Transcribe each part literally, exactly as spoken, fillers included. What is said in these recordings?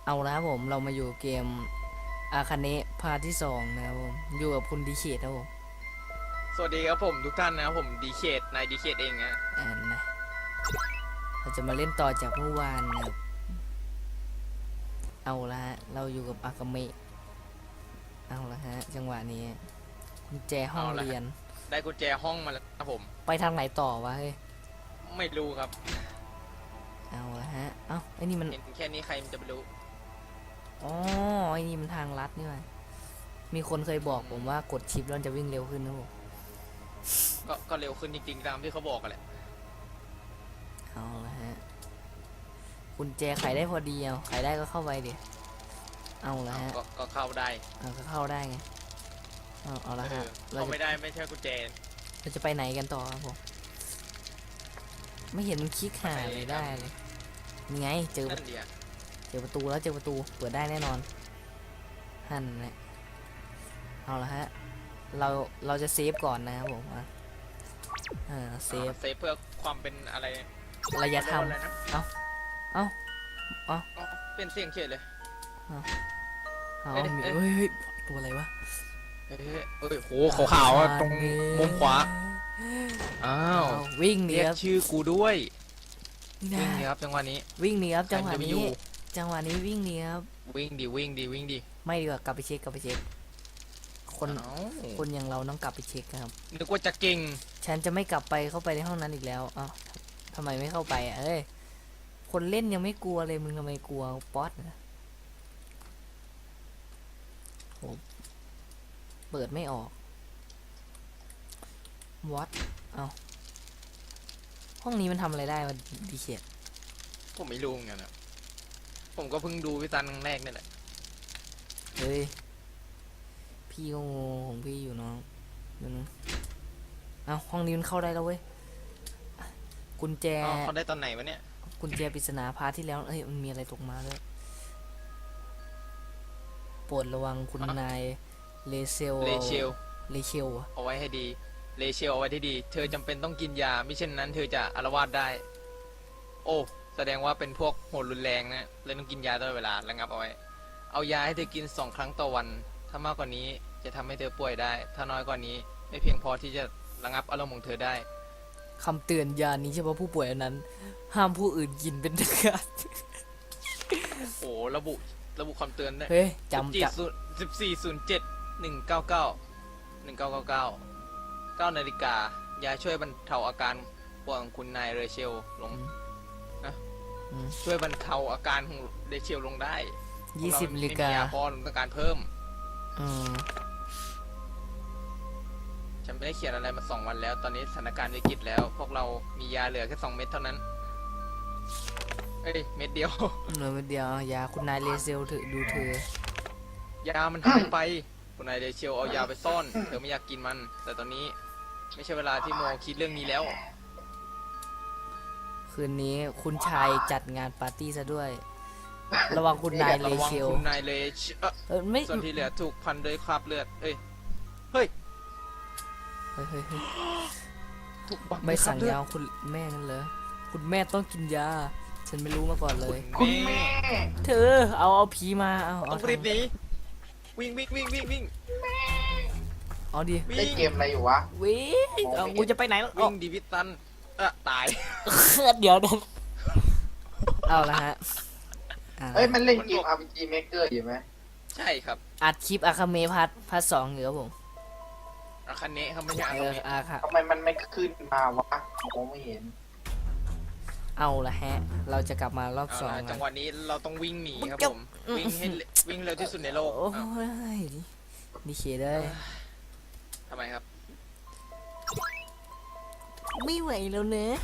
เอาละครับผมเรามาอยู่เกมอาคาเนะพาร์ทที่สองนะครับผมอยู่กับคุณดีเคทครับผมสวัสดีครับผมทุกท่านนะครับผมดีเคทนายดีเคทเองนะอ่านนะเราจะมาเล่นต่อจากเมื่อวานนะครับเอาละฮะเราอยู่กับอากาเมะเอาละฮะจังหวะนี้กุญแจห้องเรียนได้กุญแจห้องมาแล้วครับผมไปทางไหนต่อวะเฮ้ยไม่รู้ครับเอาละฮะเอ้าไอ้นี่มันเห็นแค่นี้ใครมันจะไปรู้อ๋อไอ้นี่มันทางลัดนี่วะมีคนเคยบอกผมว่ากดชิปแล้วจะวิ่งเร็วขึ้นนะผมก็ก็เร็วขึ้นจริงๆตามที่เขาบอกกันแหละเอาละฮะกุญแจไขได้พอดีเอาไขได้ก็เข้าไปดิเอาละฮะก็ก็เข้าได้เอาก็เข้าได้ไงเอาเอาละฮะเราไม่ได้ไม่ใช่กุญแจเราจะไปไหนกันต่อครับผมไม่เห็นมันคลิกหาเลยได้เลยนี่ไงเจอเจอประตูแล้วเจอประตูเปิดได้แน่นอนหั่นแหละเอาละฮะเราเราจะเซฟก่อนนะครับผมอ่าเซฟเซฟเพื่อความเป็นอะไรระยะทำเอาเอาเอาเป็นเสียงเฉยเลยเอาเฮ้ยเฮ้ยตัวอะไรวะเฮ้ยเฮ้ยโหขาวๆตรงมุมขวาอ้าววิ่งหนีเรียกชื่อกูด้วยวิ่งหนีครับจังหวะนี้วิ่งหนีครับจังหวะนี้จังหวะนี้วิ่งหนีครับวิ่งดีวิ่งดีวิ่งดีไม่ดีกว่ากลับไปเช็คกลับไปเช็คคนคนอย่างเราต้องกลับไปเช็คครับนึกว่าจะเก่งฉันจะไม่กลับไปเข้าไปในห้องนั้นอีกแล้วอ้าวทำไมไม่เข้าไปอ่ะเอ้ยคนเล่นยังไม่กลัวเลยมึงทำไมกลัวป๊อตนะโหเปิดไม่ออกวัดเอาห้องนี้มันทำอะไรได้วะดีเขียดผมไม่รู้เหมือนกันนะผมก็เพิ่งดูพี่ตันครั้งแรกนี่แหละเฮ้ยพี่ก็งงของพี่อยู่น้องเดี๋ยวนะเอาห้องนี้มันเข้าได้แล้วเว้ยกุญแจเขาได้ตอนไหนวะเนี่ยกุญแจปริศนาพาร์ทที่แล้วเอ้ยมันมีอะไรตกมาด้วยโปรดระวังคุณนายเลเซลเลเชลเลเชลเอาไว้ให้ดีเลเชลเอาไว้ที่ดีเธอจำเป็นต้องกินยาไม่เช่นนั้นเธอจะอาละวาดได้โอ้แสดงว่าเป็นพวกโหดรุนแรงนะเลยต้องกินยาตลอดเวลาระงับเอาไว้เอายาให้เธอกินสองครั้งต่อวันถ้ามากกว่านี้จะทำให้เธอป่วยได้ถ้าน้อยกว่านี้ไม่เพียงพอที่จะระงับอารมณ์ของเธอได้คำเตือนยานี้เฉพาะผู้ป่วยเท่านั้นห้ามผู้อื่นกินเป็นเด็ดขาดโอ้ระบุระบุคำเตือนได้เฮ้ยจำจับสิบสี่ศูนย์เจ็ดหนึ่งเก้าเก้าหนึ่งเก้าเก้าเก้าเก้านาฬิกายาช่วยบรรเทาอาการป่วยของคุณนายเรเชลลงนะช่วยบรรเทาอาการของเรเชลลงได้ยี่สิบนาฬิกาพอต้องการเพิ่มอืมฉันไม่ได้เขียนอะไรมาสองวันแล้วตอนนี้สถานการณ์วิกฤตแล้วพวกเรามียาเหลือแค่สองเม็ดเท่านั้นเอ้ยเม็ดเดียวเหลือเม็ดเดียวยาคุณนายเลเซลถือดูเธอยามันหายไปคุณนายเรเชลเอายาไปซ่อนเธอไม่อยากกินมันแต่ตอนนี้ไม่ใช่เวลาที่โมคิดเรื่องนี้แล้วคืนนี้คุณชายจัดงานปาร์ตี้ซะด้วยระวังคุณนายเลเชลคุณนายเลเชลเออไม่ส่วนที่เหลือถูกพันด้วยคราบเลือดเอ้ยเฮ้ยเฮ้ยเฮ้ยถูกไม่สั่งยาคุณแม่กันเลยคุณแม่ต้องกินยาฉันไม่รู้มาก่อนเลยคุณแม่เธอเอาเอาผีมาเอาเอารีบหนีวิ่งวิ่งวิ่งวิ่งวิ่งเอาดิเล่นเกมอะไรอยู่วะวิ่งเอากูจะไปไหนแล้ววิ่งดิวิตันเออตายเดี๋ยวเดี๋ยวเอาละฮะเอ้ยมันเล่นเกม อาร์ พี จี Maker อยู่ไหมใช่ครับอัดคลิปอาคาเมะพัทพัทสองอยู่ครับผมอาคาเนะเขาไม่ใช่อาคาเมะทำไมมันไม่ขึ้นมาวะมองไม่เห็นเอาละฮะเราจะกลับมารอบสองจังหวะนี้เราต้องวิ่งหนีครับผมวิ่งให้วิ่งเร็วที่สุดในโลกโอ้ยดีเคได้ทำไมครับไม่ไหวแล้วเนอะ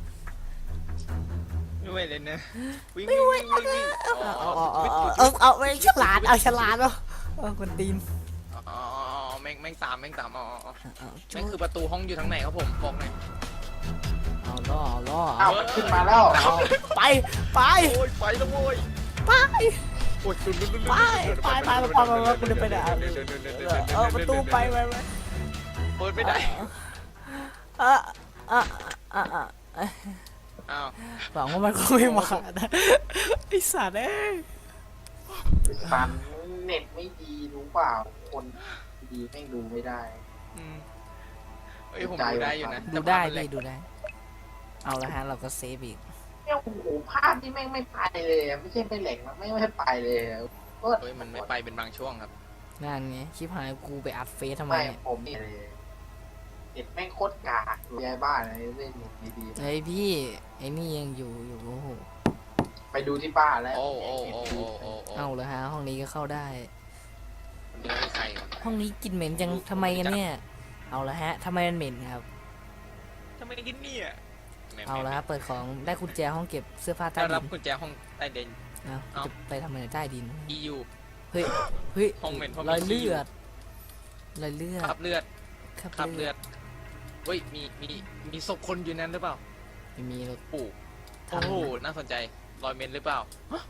ไม่ไหวเลยนะวิ่งไม่ไหวเอาเอาเอาเอาไม่ฉลาดเอาฉลาดเอาเอาคนตีนอ๋อแม่งแม่งตามแม่งตามอ๋อแม่งคือประตูห้องอยู่ทางไหนครับผมบอกหน่อยเอาล่อเอาล่อเอามันขึ้นมาแล้วไปไปโอ้ยไปแล้วโว้ยไปโอ้ยไปไปไปไปไปไปคุณจะไปไหนเออประตูไปไปไปเปิดไม่ได้อ่ะอ่ะอ่ะอ่ะอ้าวหวังว่ามันก็ไม่มาไอสัตว์เอ้ยสันเน็ตไม่ดีรู้เปล่าคนดีแม่งดูไม่ได้อืมเอ้ยผมดูได้อยู่นะดูได้แต่ภาพมันแหลพี่กดูได้ เอาละฮะเราก็เซฟอีกเนี่ยโอ้โหภาพที่แม่งไม่ไปเลยอะไม่ใช่ไม่แหลกนะไม่ไม่ไปเลยอะก็เฮ้ยมันไม่ไปเป็นบางช่วงครับนั่นไงคลิปหายกูไปอัดเฟซทำไมไม่เนี่ยผมนี่เลยเน็ตแม่งโคตรกากดูยายบ้านอะไรเล่นเน็ตดีเฮ้ยพี่ไอ้นี่ยังอยู่อยู่โอ้โหๆไปดูที่บ้านแล้วโอ้โอ้โอ้โอ้โอ้โอ้เอาละฮะห้องนี้ก็เข้าได้เดี๋ยวไม่ใครวะห้องนี้กลิ่นเหม็นจังทำไมกันเนี่ย เอาละฮะทำไมมันเหม็นครับทำไมกินเนี่ยเอาละฮะเปิดของได้กุญแจห้องเก็บเสื้อผ้าใต้ได้ดิรับนกุญแจห้องใต้ดินเอาเอาจะไปทำอะไรใต้ดินอี ยูเฮ้ยเฮ้ยห้องเหม็นเพราะมีรอยขี้เลือยู่อดรอยเลือดคราบเลือดคราบคราบเลืเลืออดดเฮ้ยมีมีมีศพคนอยู่นั้นหรือเปล่าไม่มีหรอกปู่ทำโอ้โหน่าสนใจรอยเมนหรือเปล่า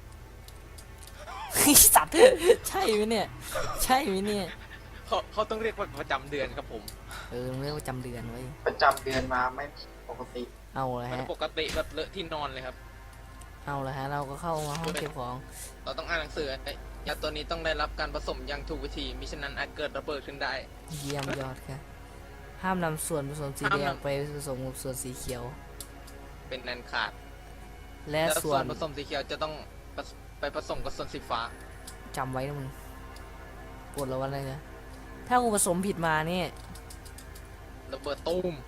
สัตว์ใช่ไหมเนี่ย ใช่ไหมเนี่ยเขาเขาต้องเรียกว่าประจำเดือนครับผมเออเรื่องประจำเดือนไว้ยประจำเดือนมาไม่ปกติเอาละมันฮะปกติแบบเลอะที่นอนเลยครับเอาละฮะเราก็เข้ามาห้องเก็บของเราต้องอ่านหนังสือไอ้ยาตัวนี้ต้องได้รับการผสมอย่างถูกวิธีมิฉะนั้นอาจเกิดระเบิดขึ้นได้เยี่ยมยอดครับห้ามนำส่วนผสมสีแดห้ามงนำไปผสมกับส่วนสีเขียวเป็นนันขาดและและส่ส่ววน นผสมสีเขียวจะต้องผสไปผสมกับส่วนสีฟ้าจำไว้นะมึงปวดแล้ววันอะไรนะถ้ากูผสมผิดมาเนี่ยระเบิดตูม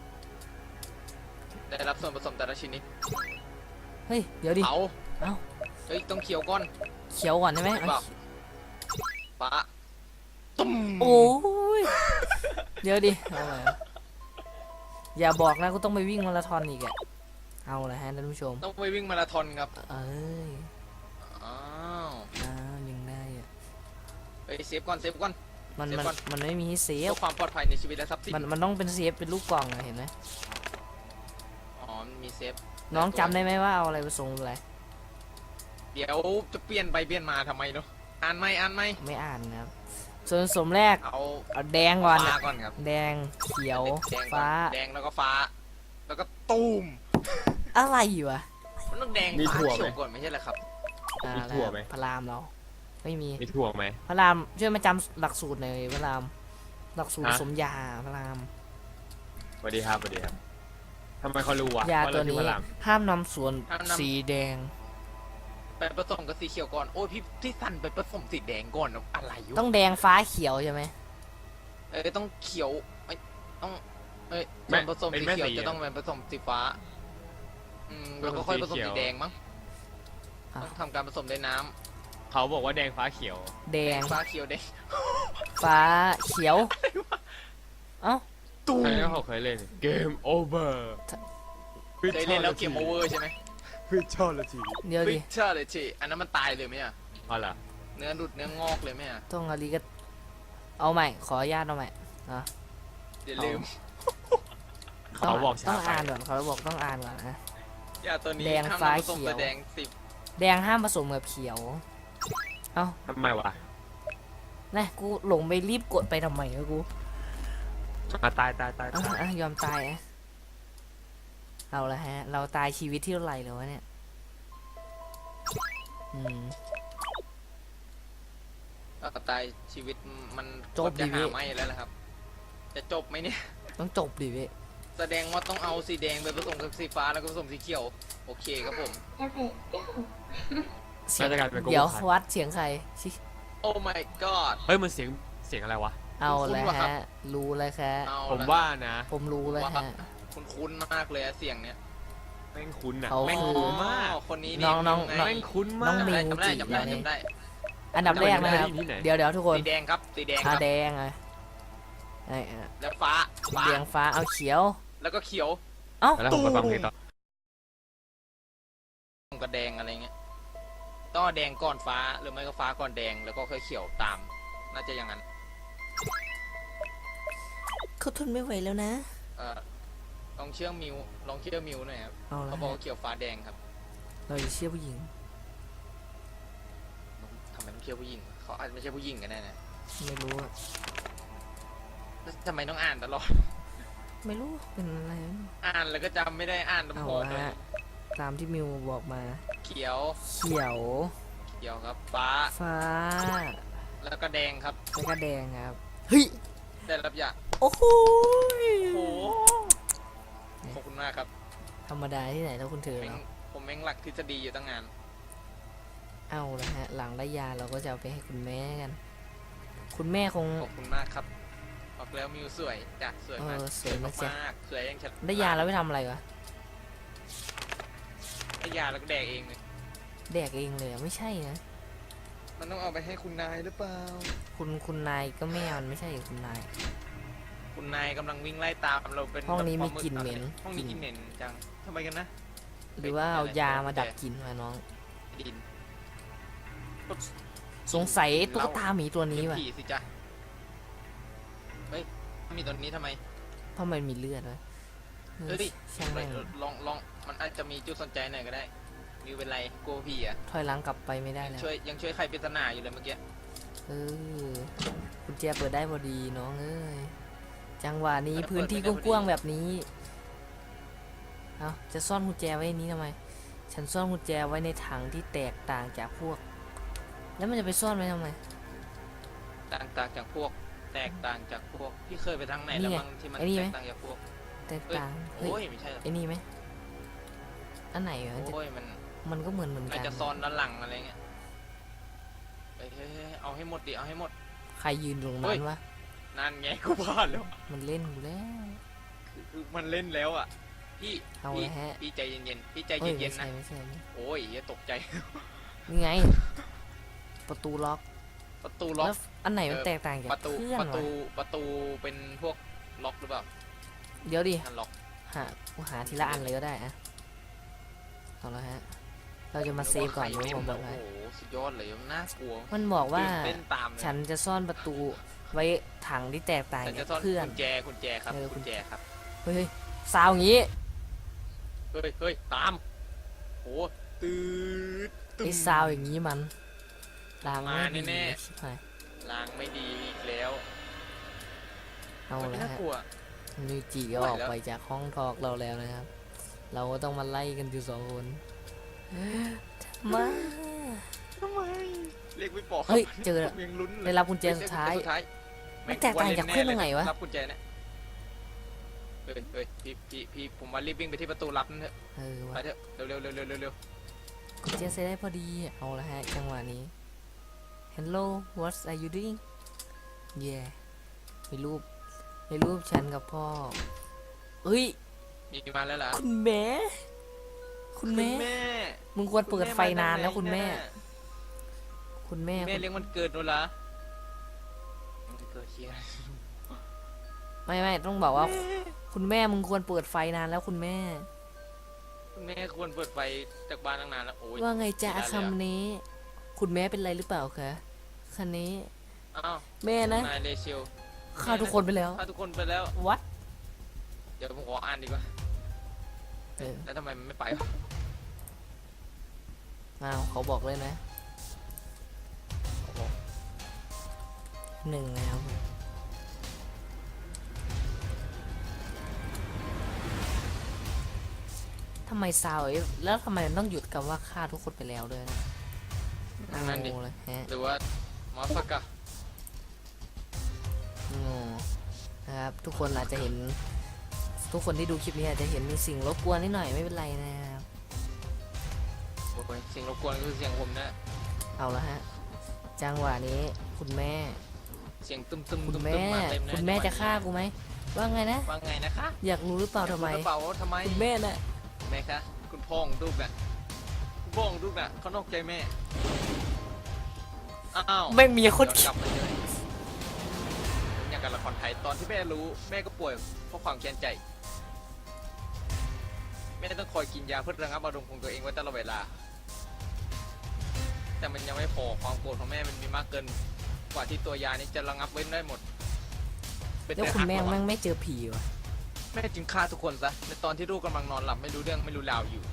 ได้รับส่วนผสมแต่ละชนิดเฮ้ยเดี๋ยวดิเผาเอ้าเฮ้ยต้องเขียวก่อนเขียวก่อนได้ไหมเปล่า ฟ้าตุ้มโอ้ยเดี๋ยวดิเอาใหม่อะอย่าบอกนะกูต้องไปวิ่งมาราธอนอีกอะเอาละฮะท่านผู้ชมต้องไปวิ่งมาราธอนครับเอ้ยอ้าวอ้าวยังได้อะเฮ้ยเซฟก่อนเซฟก่อนมันเดี๋ยวมันก่อนมันไม่มีให้เซเพื่ฟอความปลอดภัยในชีวิตและทรัพย์สินมันมันต้องเป็นเซฟเป็นลูกกล่องอะเห็นไหมอ๋อมันมีเซฟน้องจำได้ไหมว่าเอาอะไรผสมอะไรเดี๋ยวจะเปลี่ยนไปเปลี่ยนมาทำไมเนาะอ่านไหมอ่านไหมไม่อ่านนะครับส่วนผสมแรกเอาเอาแดงก่อนฟ้าอะก่อนครับแดงเขียวแดงก่อนฟ้าแดงแล้วก็ฟ้า แล้วก็ตูมอะไรอยู่วะมันต้องแดงมีฟ้าถั่วไหมเขียวก่อนไม่ใช่เหรอครับอ่ามีถั่วไหมพระรามเรา ไม่มีมีถั่วไหมพระรามช่วยมาจำหลักสูตรหน่อยพระรามหลักสูตรฮะผสมยาพระรามสวัสดีครับสวัสดีครับทำไมเขารู้วะยาว่าตัวเรชื่อนี้พระรามห้ามนำส่วนห้ามนำสีแดงไปผสมกับสีเขียวก่อนโอ้ยพี่ที่สั่นไปผสมสีแดงก่อนอะไรอยู่ต้องแดงฟ้าเขียวใช่ไหมเอ้ยต้องเขียวเอ้ยต้องเอ้ยแม่ส่วนผสมเป็นสีแม่เขียวสีจะต้องเป็นผสมสีฟ้าอืมแล้วก็ค่อยผสมสีเขีสียวแดงมั้งอ่ะต้องทำการผสมด้วยน้ำเขาบอกว่าแดงฟ้าเขียวแดแดงงฟ้าเขียวแดงฟ้าเขียว เอ้าตูมใครก็เขาเคยเล่นเกมโอเวอร์เคยเล่นแล้วเกมโอเวอร์ใช่ไหมพิชชอลทีเดี๋ยวฟิดิชเชอร์เลยทีอันนั้นมันตายเลยไหมอ่ะอ๋อเหรอเนื้อหลุดเนื้องอกเลยไหมอ่ะต้องอะไรก็เอาใหม่ ขออนุญาตเอาใหม่อ่ะอย่าลืมเขาบอกต้ช้าองไปอ่านก่อนเขาบอกต้องอ่านก่อนนะยาตัวนี้แดงห้ามฟ้าผสมเขียวแต่แดงสิบแดงห้ามผสมกับเขียว เอ้าทำไมวะนะกูหลงไปรีบกดไปทำไมวะกูอ่ะตายตายตายอ่ะตายอ่ะยอมตายอ่ะเอาละฮะ เราตายชีวิตที่เท่าไหร่แล้ววะเนี่ย อืมก็ตายชีวิตมันจบจะดิหาพี่ไม่แล้วนะครับ จะจบไหมเนี่ยต้องจบดิเว้ยแสดงว่าต้องเอาสีแดงไปผสมกับสีฟ้าแล้วก็ผสมสีเขียว โอเคครับผมเสียงน่าจะกลายเป็นโกเดี๋ยวโก้วัดเสียงใครชิโอ้ my god เฮ้ยมันเสียงเสียงอะไรวะเอาคุ้นแล้วๆว่ะครับฮะ รู้แล้วครับเอาผมละว่านะผมรู้แล้วฮะคุณคุ้นๆมากเลยอะเสียงเนี้ยแม่งคุ้นอ่ะเขาแม่งคือคุ้นมากอ๋อคนนี้น้องน้องไแม่งคุ้นน้มาองกมิวจำได้จิจำได้อันนี้จำได้อันดับแรกนะครับที่ไหนเดี๋ยวเดี๋ยวทุกคนสีแดงครับสีแดงคอ่ารับแดงอ่ะไอ้อ่ะแล้วฟ้าฟ้าแดงฟ้าเอาเขียวแล้วก็เขียวเอ้าแล้วผมไปฟังเพลงต่อกับแดงอะไรเงี้ยต้องเอาแดงก่อนฟ้าหรือไม่ก็ฟ้าก่อนแดงแล้วก็ค่อยเขียวตาม น่าจะอย่างนั้นเขาทนไม่ไหวแล้วนะเอ่อลองเชื่อมิวลองเชื่อมิวหน่อยครับเอาละเขาบอกฮะว่าเขียวฟ้าแดงครับเราจะเชื่อผู้หญิงทำไมต้องเชื่อผู้หญิงเขาอาจจะไม่ใช่ผู้หญิงกันแน่นะไม่รู้อะแล้วทำไมต้องอ่านตลอดไม่รู้เป็นอะไรอ่านแล้วก็จำไม่ได้อ่านตำเอาพอละเลยฮะตามที่มิวบอกมาเขียวเขียวขเดี๋ยวครับฟ้าฟ้าแล้วก็แดงครับแล้วก็แดงครับเฮ้ยได้รับยาโอ้โหโอ้โหขอบคุณมากครับธรรมดาที่ไหนถ้าคุณเธอแม่งเนาะผมแม่งหลักทฤษฎีอยู่ตั้งนานเอาละฮะหลังได้ยาเราก็จะเอาไปให้คุณแม่กัน คุณแม่คงขอบคุณมากครับบอกแล้วมิวสวยจ้ะสวยมากเออสวยมากจ้ะมากสวยยังฉันได้ยาแล้วไปทำอะไรวะได้ยาแล้วก็แดกเองเลยแดกเองเลยอะไม่ใช่นะมันต้องเอาไปให้คุณนายหรือเปล่าคุณคุณนายก็แม่มันไม่ใช่คุณนายคุณนายกำลังวิ่งไล่ตามเราเป็นห้องนี้แบบมีกลิ่นเหม็นห้องนี้กลิ่นเหม็นจังทำไมกันนะหรือว่าเอายามาดับกลิ่นมาน้องดินสงสัยตุ๊กตาหมีตัวนี้เลี้ยงว่ะผีสิจ๊ะเฮ้ยมีตัวนี้ทำไมเพราะมันมีเลือดวะเออเฮ้ยช่างแม่งลองลองมันอาจจะมีจุดสนใจหน่อยก็ได้มิวเป็นไรกลัวผีอ่ะถอยหลังกลับไปไม่ได้แล้วช่วยยังช่วยใครปริศนาอยู่เลยเมื่อกี้เออกุญแจเปิดได้พอดีน้องเอ้ยจังหวะนี้พื้นที่กว้างๆแบบนี้เอาจะซ่อนกุญแจไว้ในนี้ทำไม ฉันซ่อนกุญแจไว้ในถังที่แตกต่างจากพวก แล้วมันจะไปซ่อนไว้ทำไมต่างต่างจากพวก แตกต่างจากพวกพี่เคยไปทางไหนนี่แล้วไงมั้งที่มันไอ้นี่แตไหมกต่างจากพวกแตกต่างเฮ้ยโอ้ยไม่ใช่หรอกไอ้นี่ไหมอันไหนวะโอ้ยมันมันก็เหมือนเหมือนน่ากันจะซ่อนด้านหลังอะไรเงี้ยเฮ้ยเฮ้ยเฮ้ยเอาให้หมดดิเอาให้หมดใครยืนตรงเฮ้นั้ยนวะนั่นไงกูพลาดแล้วมันเล่นกูแล้วคือคือมันเล่นแล้วอ่ะพี่เอาพี่ละฮะพี่ใจเย็นๆพี่ใจเฮ้ยเย็ไม่นๆใช่นะไม่ใช่ไม่โอ้ยอย่าตกใจนี่ไง ประตูล็อกประตูล็อกแล้วอันไหนมันเออแตกต่างจากประตูเพื่อนประตูวะประตูเป็นพวกล็อกหรือเปล่าเดี๋ยวดินั่นล็อกหากูหาทีละอันเลยก็ได้อะเอาละฮะ เราจะมาเซฟก่อนนึรู้ว่าผมบอกไข่ไว้เต็มโอ้โหสุดยอดเลยน่ากลัวมันบอกว่าตื่นเต้นตามเลยฉันจะซ่อนประตูไว้ถังที่แตกต่างฉันจาจะกซ่อนเพื่อนกุญแจกุญแจครับเออกุญแจครับเฮ้ยซาวอย่างงี้เฮ้ยเฮ้ยตามโอ้ตืดตึ้ไอ้มซาวอย่างงี้มันล้างมาไม่แน่ดีๆชิบหายล้างไม่ดีอีกแล้วเอามันละน่าฮะกลัวนิวจิก็ออกไปจากห้องทอกเราแล้วนะครับ เราก็ต้องมาไล่กันอยู่สองคนทำไมทำไมเรียกไม่บอกเฮ้ยเจอแล้วยังลุ้นเลยได้รับกุญแจสุดท้ายสุดท้ายมันแตกต่างจากเพื่อนตรงไหนวะรับกุญแจเนี่ยเฮ้ยเฮ้ยพี่พี่พี่ผมว่ารีบวิ่งไปที่ประตูลับนั่นเถอะเออไปวะเถอะเร็วเร็วเร็วเร็วเร็วเร็วกุญแจเซฟได้พอดี เอาละฮะ จังหวะนี้ Hello what are you doing yeah มีรูปมีรูปฉันกับพ่อเฮ้ยมีมาแล้วเหรอคุณแม่ คุณแม่แม่มึงควรเปิดไฟนานแล้วคุณแม่ คุณแม่แม่เลี้ยงมันเกิดด้วยเหรอมันเกิดเชียร์ไม่ไม่ต้องบอกว่า คุณแม่มึงควรเปิดไฟนานแล้วคุณแม่คุณแม่ควรเปิดไฟจากบ้านตั้งนานแล้วโอ้ยว่าไงจ๊ะไม่ได้เลยอะคำนี้ คุณแม่เป็นไรหรือเปล่าคะคันนี้อ้าวแม่นะนายเลเชลฆ่าทุกคนไปแล้วฆ่าทุกคนไปแล้ววัดเดี๋ยวผมขออ่านดีกว่าเออแล้วทำไมมันไม่ไปวะอ้าวเขาบอกเลยนะโอ้โหหนึ่งนะครับทำไมซาวเอ้ยแล้วทำไมมันต้องหยุดกับว่าฆ่าทุกคนไปแล้วด้วยนะนั่นดิงงเลยฮะหรือว่ามาฟักกะงงนะครับทุกคนอาจจะเห็น ทุกคนที่ดูคลิปนี้อาจจะเห็นมีสิ่งรบกวนนิดหน่อยไม่เป็นไรนะครับโอ้ยเสียงรบกวนคือเสียงผมนะเอาละฮะจังหวะนี้คุณแม่เสียงตึมตึมคุณตึมแม่มาเต็มเลยคุณแม่จะฆ่ากูไหมว่าไงนะว่าไงนะคะอยากรู้หรือเปล่าทำไมอยกรู้หรือเปล่าว่าทำไมคุณแม่น่ะแม่คะคุณพ่อของลูกน่ะคุณพ่อของลูกน่ะเขานอกใจแม่อ้าวไม่มีคนย้อกลับมาเลยอย่างกับละครไทยตอนที่แม่รู้แม่ก็ป่วยเพราะความแค้นใจ แม่ต้องคอยกินยาเพื่อระงับอารมณ์ของตัวเองไว้ตลอดเวลา แต่มันยังไม่พอความโกรธของแม่มันมีมากเกินกว่าที่ตัวยานี้จะระงับไว้ได้หมดเป็นแล้วแต่คุณแม่หักแม่ระงวังไม่เจอผีวะแม่จึงฆ่าทุกคนซะในตอนที่ลูกกำลังนอนหลับไม่รู้เรื่องไม่รู้ราวอยู่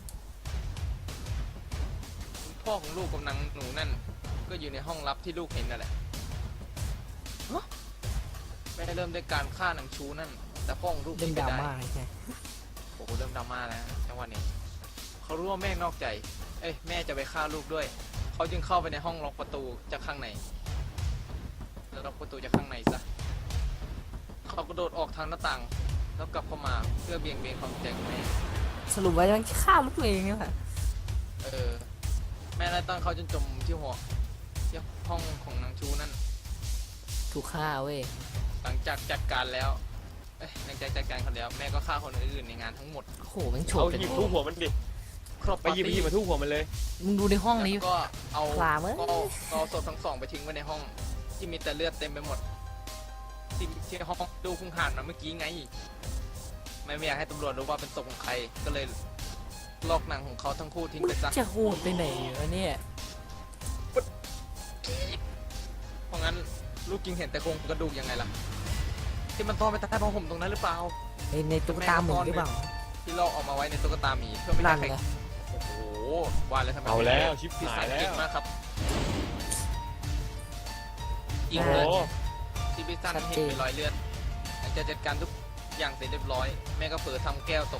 คุณพ่อของลูกกำลังหนูนั่นก็อยู่ในห้องลับที่ลูกเห็นนั่นแหละฮะแม่เริ่มด้วยการฆ่าหนังชูนั่นแต่พ่อของลูกเรื่องไม่ดราได้ม่าใช่ไหมโอ้โหเริ่มดราม่าแล้วจังหวะนี้เขารู้ว่าแม่นอกใจ เอ้ยแม่จะไปฆ่าลูกด้วยเขาจึงเข้าไปในห้องล็อกประตูจากข้างในแล้วล็อกประตูจากข้างในซะเขากระโดดออกทางหน้าต่างแล้วกลับเข้ามาเพื่อเบี่ยงเบนความสนใจของแม่สรุปว่ามันฆ่าลูกตัวเองเนี่ยค่ะเออแม่ไล่ต้อนเขาจนจมที่หัวที่ห้องของนางชูนั่นถูกฆ่าเว้ยหลังจากจัดการแล้วเอ้ยหลังจากจัดการเขาแล้วแม่ก็ฆ่าคนอื่นๆในงานทั้งหมดโอ้โหแมันโฉบเอาเป็นหยิบทุบหัวมันดิครบไปหยิบไปหยิบมาทุบหัวมันเลยมึงดูในห้องนี้แล้วก็เอาคลามเอ้ยก็เอาก็เอาศพทั้งสองไปทิ้งไว้ในห้องที่มีแต่เลือดเต็มไปหมดที่ที่ห้องดูคุงห่านมาเมื่อกี้ไงไม่ไม่อยากให้ตำรวจรู้ว่าเป็นศพของใครก็เลยลอกหนังของเขาทั้งคู่ทิ้งไปซะจะโหดไปไหนวะเนี่ยเพราะงั้นลูกจึงเห็นแต่โครงกระดูกยังไงล่ะที่มันซ่อนไปใต้ผ้าห่มตรงนั้นหรือเปล่าในในตุ๊กตาหมูหรือเปล่าที่ลอกออกมาไว้ในตุ๊กตาหมีเพื่อไม่ให้นั่นใครไงโอ้โหว่าแล้วทำไมเอาแล้วชิบพี่หาสาย ยแล้เก่งวมากครับอีกโอ้เลโหยที่พี่สั้นเห็นเป็นรอยเลือดหลังจากจัดการทุกอย่างเสร็จเรียบร้อยแม่ก็เผลอทำแก้วตก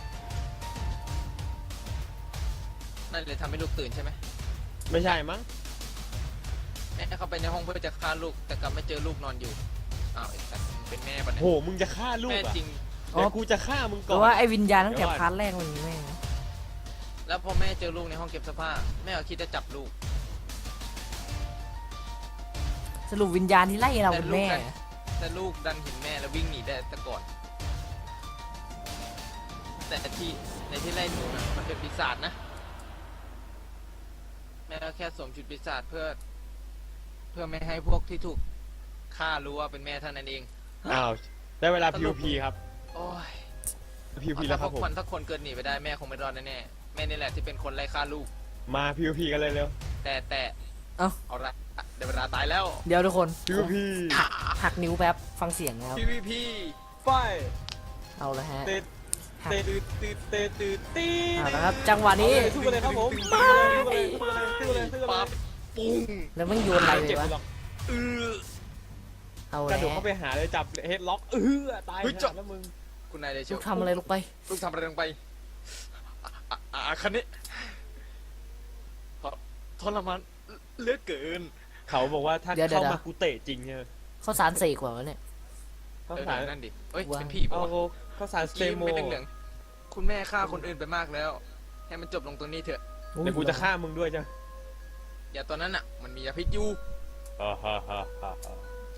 นั่นเลยทำให้ลูกตื่นใช่ไหมไม่ใช่มั้งแม่เข้าไปในห้องเพื่อจะฆ่าลูกแต่กลับไม่เจอลูกนอนอยู่อ้าวไอ้สัตว์เป็นแม่ปะเนี่ยโหมึงจะฆ่าลูกแม่อ่ะจริงเดี๋ยวกูจะฆ่ามึงเพก่อนราะว่าไอ้วิญญาณตั้งแต่เดี๋ยวก่อนพาร์ทแรกมันมีแม่งแล้วพอแม่เจอลูกในห้องเก็บเสื้อผ้าแม่ก็คิดจะจับลูกสรุปวิญญาณที่ไล่เราเป็นแม่แต่ลูกดันเห็นแม่แล้ววิ่งหนีได้แต่ก่อน แต่ที่ในที่ไล่หนูนะมันเป็นปีศาจนะแม่ก็แค่สวมชุดปีศาจเพื่อ เพื่อไม่ให้พวกที่ถูกฆ่ารู้ว่าเป็นแม่เท่านั้นเองอ้าวได้เวลา พี โอ พี ครับโอ้ยพี โอ พีเอาแล้ถ้าว พคว รับผมกมันถ้าคนเกิดหนีไปได้แม่คงไม่รอดแน่ๆแม่นี่แหละที่เป็นคนไล่ฆ่าลูกมา พี โอ พี กันเลยเร็วแต่แต่เอ้าเอาละเดี๋ยวเวลาตายแล้วเดี๋ยวทุกคนพี โอ พีหักนิ้วแป๊บฟังเสียงนะครับพีวีพีไฟเอาละฮะเตะหักเตะตืดตืดเตะตืดตีเอาละครับ จังหวะนี้ทุบไปเลยครับผมไม่ทุบไปเลยทุบไปเลยทุบไปเลยทุบไปเลยปั๊บปุ้งแล้วมันโยนอะไรเลเจ็บยวะหรอกเออเอากแล้ระโดดเข้าว ไปหาเลยจับเฮดล็อกเออตายเฮ้ยหาจับแล้วมึงคุณนายเดชลูกทำอะไรลงไปลูกทำอะไรลงไปอ่ะอ่ะอ่ะคันนี้ทรทรมานเหลือเกินเขาบอกว่าถ้าเดี๋ยวเดี๋ยวเข้ามากูเตะจริงใช่ไหมข้าวสารเสกว่าวะเนี่ยเขาเออสารนั่นดิเอ้ยว่าเป็นพี่ปะเอาวะเขาสารสเตกี้โมไม่เหลืองๆคุณแม่ฆ่าคนอื่นไปมากแล้ว ให้มันจบลงตรงนี้เถอะอุ้ยเดี๋ยวกูจะฆ่ามึงด้วยจ้ะอย่าตอนนั้นอ่ะ มันมียาพิษอยู่ฮ่าฮ่าฮ่าฮ่าฮ่า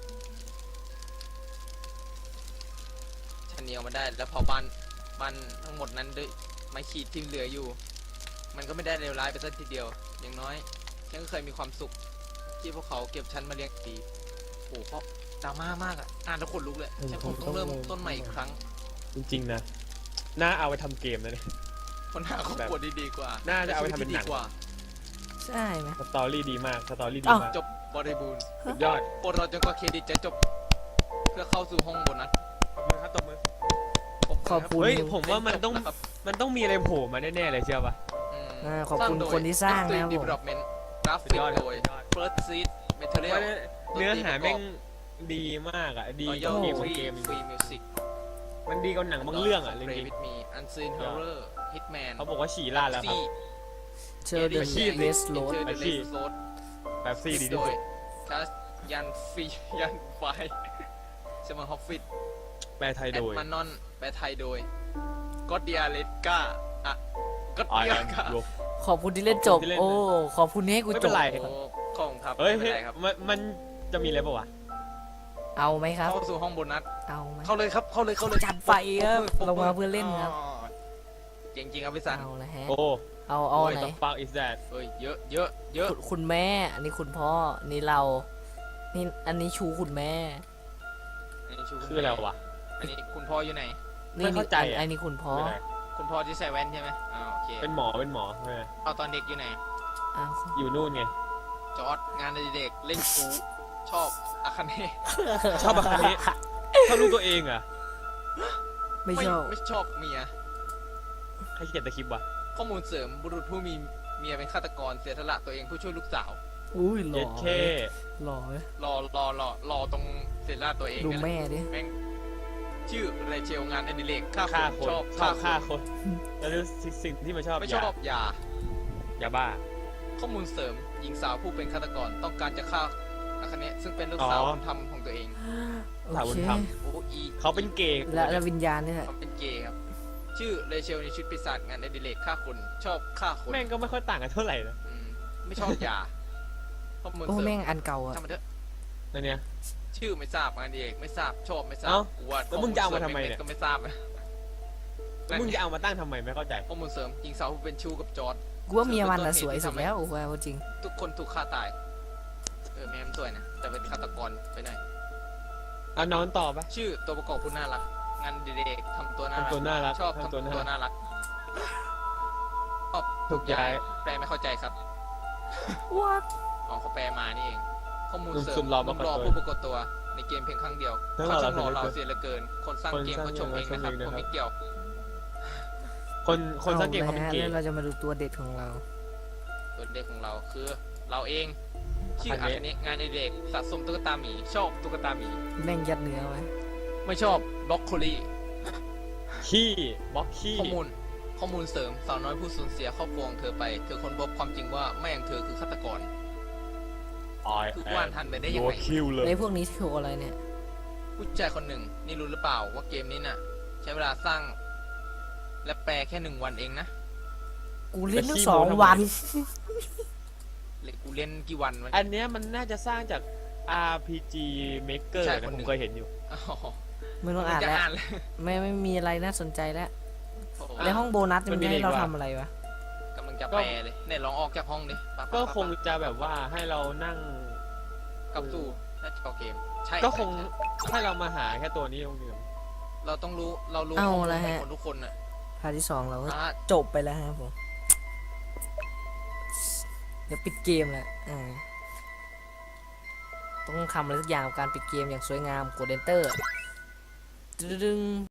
ฉันเหนียวมาได้ แล้วพอบ้านบ้านทั้งหมดนั้นด้วยไม้ขีดที่เหลืออยู่ มันก็ไม่ได้เลวร้ายไปสักทีเดียว อย่างน้อยฉันก็เคยมีความสุข ที่พวกเขาเก็บฉันมาเลี้ยงดีโอ้โหเพราะดราม่ามากอ่ะ อ่านแล้วขนลุกเลยฉันคงต้องเริ่มต้นใหม่อีกครั้งจริงๆนะน่าเอาไปทำเกมนะเนี่ยคนหาครอบครัวดีๆกว่าน่าจะเอาไปทำเป็นหนังดีกว่าใช่ไหมสตอรี่ดีมากสตอรี่ดีอ้าวมากจบบริบูรณ์สุดยอดโปรดเราจนกว่าเครดิตจะจบ เพื่อเข้าสู่ห้องโบนัสขอบคุณครับตบมือขอบคุณเฮ้ยผมว่ามันต้องครับมันต้องมีอะไรโผล่มาแน่ๆเลยเชื่อป่ะอืมอ่าขอบคุณสร้างโดยคนที่สร้างนะครับ Extreme ผม Development กราสุฟิดกยอดโดยสุดยอด First Seed เพราะ Material ว่าเนื้อหาแม่งดีมากอ่ะดีก Royal ว่าเกมบาง Free เกม Free Music มันดีกว่าหนังบางเรื่องอ่ะจ Play ริง with me Unseen Horror Hitman ๆเขาบอกว่าฉี่ลาดแล้วครับเชอร์เดนอาชีพเวสโรด Enter the อาชีพ West Road แบบซี่ดีโดที่สุยดคัสยันฟียันไฟเชมอฮอฟฟิตแปลไทยแอโดดยมานอนแปลไทยโดยก็เดียเลกาอ่ะก็อ่าเดียนกาบวกขอบคุณที่เล่นจบขอบคุณที่เล่นนะโอ้ ขอบคุณที่ให้กูไม่จเป็นบไรโอ้ขอบคุณครับเฮ้ยไม่เป็นไรครับมันมันจะมีอะไรป่าวะเอาไหมครับเข้าสู่ห้องโบนัสเอาไหมเข้าเลยครับ เข้าเลย เข้าเลยจัดไปครับปรบมือลงมาเพื่อเล่นครับอ๋อจริงๆครับพี่สันเอาละฮะโอ้เอาเอาไหน the fuck is that เอ้ย เยอะ เยอะ เยอะคุณคุณแม่ อันนี้คุณพ่อ นี่เรา นี่อันนี้ชูคุณแม่อันนี้ชูณคืออะไรวะอันนี้คุณพ่ออยู่ไหนนี่ไม่เข้าใจนี่อันอะอันนี้คุณพ่อคืออะไรคุณพ่อที่ใส่แว่นใช่ไหมอ่าโอเคเป็นหมอเป็นหมอใช่ไหมเอาตอนเด็กอยู่ไหนอ้าวอยู่นู่นไงจอร์ดงานเด็กๆเล่นกูชอบอาคาเน่ชอบแบบนี้ชอบลูกตัวเองเหรอ่ะไม่ชอบไม่ชอบเมียใครเขียนตะคริปต์วะข้อมูลเสริมบุรุษผู้มีเมียเป็นฆาตกรเสียสละตัวเองเพื่อช่วยลูกสาวอุ้ยหล่เย็อดเคหล่อเว้ยรอรอรอรอตรงเสียสละตัวเองดูเนี่ยแหละแม่ดิแม่งชื่อเรเชลงานอดิเรกฆ่าฆ่าคคน นชอบชอบฆ่าคนคน แล้วสิ่งที่มันชอบไม่ยาชอบยายาบ้าข้อมูลเสริมหญิงสาวผู้เป็นฆาตกรต้องการจะฆ่าอาคาเนะซึ่งเป็นลูกสาวบุญธรรมของตัวเองโอสาวบุเคญธรรมโอ้อีเขาเป็นเกย์และและวิญญาณเนี่ยเขาเป็นเกย์ครับ ชื่อเรเชลในชุดปีศาจงานอดิเรกฆ่าคนชอบฆ่าคนแม่งก็ไม่ค่อยต่างกันเท่าไหร่นะอืมไม่ชอบยาข้อมูลโอ้เสริแม่มงอันเก่าอะทำมาเถอะนั่นเนี่ยชื่อไม่ทราบงานอดิเรกไม่ทราบชอบไม่ทราบเอ้ากูว่าแล้วมึงจะเอามาทำไมเนี่ยก็ไม่ทราบแล้วมึงจะเอามาตั้งทำไมไม่เข้าใจข้อมูลเสริมหญิงสาวผู้เป็นชู้กับจอร์ดกูว่าเมียมันน่ะสวยสุดแล้วโอ้โหเอาจริงทุกคนถูกฆ่าตายเออแม่มนสวยนะแต่เป็นฆาตกรไปหน่อยเอานอนต่อปะชื่อตัวประกอบผู้น่ารักงานอดิเรกทำตัวน่ารัทำตัวน่ารักชอบทำทำตัวตัวน่ารักน่ารักชอบถูกย้ายแปลไม่เข้าใจครับ what อ๋อเขาแปลมานี่เอง ข้อมูลหนุ่มเสริสุมดหล่อหนุ่มปรากฏรอตัวผู้ปรากฏตัวในเกมเพียงครั้งเดียวทั้งหล่เขาอช่างหล่อเหลือเราเกินเสียเหลือเกิน คนสร้างคนเกมสร้างเขาชมเกมเองนะครับเขาชมเองนะครับผมไม่เกี่ยวคนคนสังเกตอเขาเป็นละเกฮะย์แล้วเราจะมาดูตัวเด็ดของเราตัวเด็กของเราคือเราเอง ชื่ออาอาคาเนะคาเนะงานอดิเรกสะสมตุ๊กตาหมีชอบตุ๊กตาหมีแม่งยัดเนื้อไว้ไม่ชอบบล็อกโคลีขี้บล็อกขี้ข้อมูลข้อมูลเสริมสาวน้อยผู้สูญเสียครอบครัวของเธอไป เธอค้นพบความจริงว่าแม่ของเธอคือฆาตกร คือว่านทันไปได้ยังไงคิวเลยไอ้พวกนี้โชว์อะไรเนี่ยผู้ชายคนหนึ่งนี่รู้หรือเปล่าว่าเกมนี้น่ะ ใช้เวลาสร้าง และแปลแค่หนึ่งวันเองนะกูเล่นตั้งสองวันหรือกูเล่นกี่วันวะอันเนี้ยมันน่าจะสร้างจาก อาร์ พี จี Maker ใช่นะคนหนึ่ผมงเคยเห็นอยู่อ๋อไม่ต้องอ่านจะแล้วอ่านเลยไม่ไม่มีอะไรน่าสนใจแล้วโอ้โหในห้องโบนัสมัมัน นมีจะให้เราอะไรอีกวะทำอะไรวะกำลังจะแปลเลยเนี่ยลองออกจากห้องดิปั๊บก็ปั๊บคงจะแบบว่าให้เรานั่งกลับสู่หน้าจอเกม ใช่ก็คงใช่ให้เรามาหาแค่ตัวนี้ตรงเดียวเราต้องรู้เรารู้เอาข้อมูลละขฮะองคนทุกคนน่ะพาร์ทที่สองเราก็อ่าจบไปแล้วครับผม เดี๋ยวปิดเกมแหละอ่าต้องทำอะไรสักอย่างกับการปิดเกมอย่างสวยงามกด Enter ดึง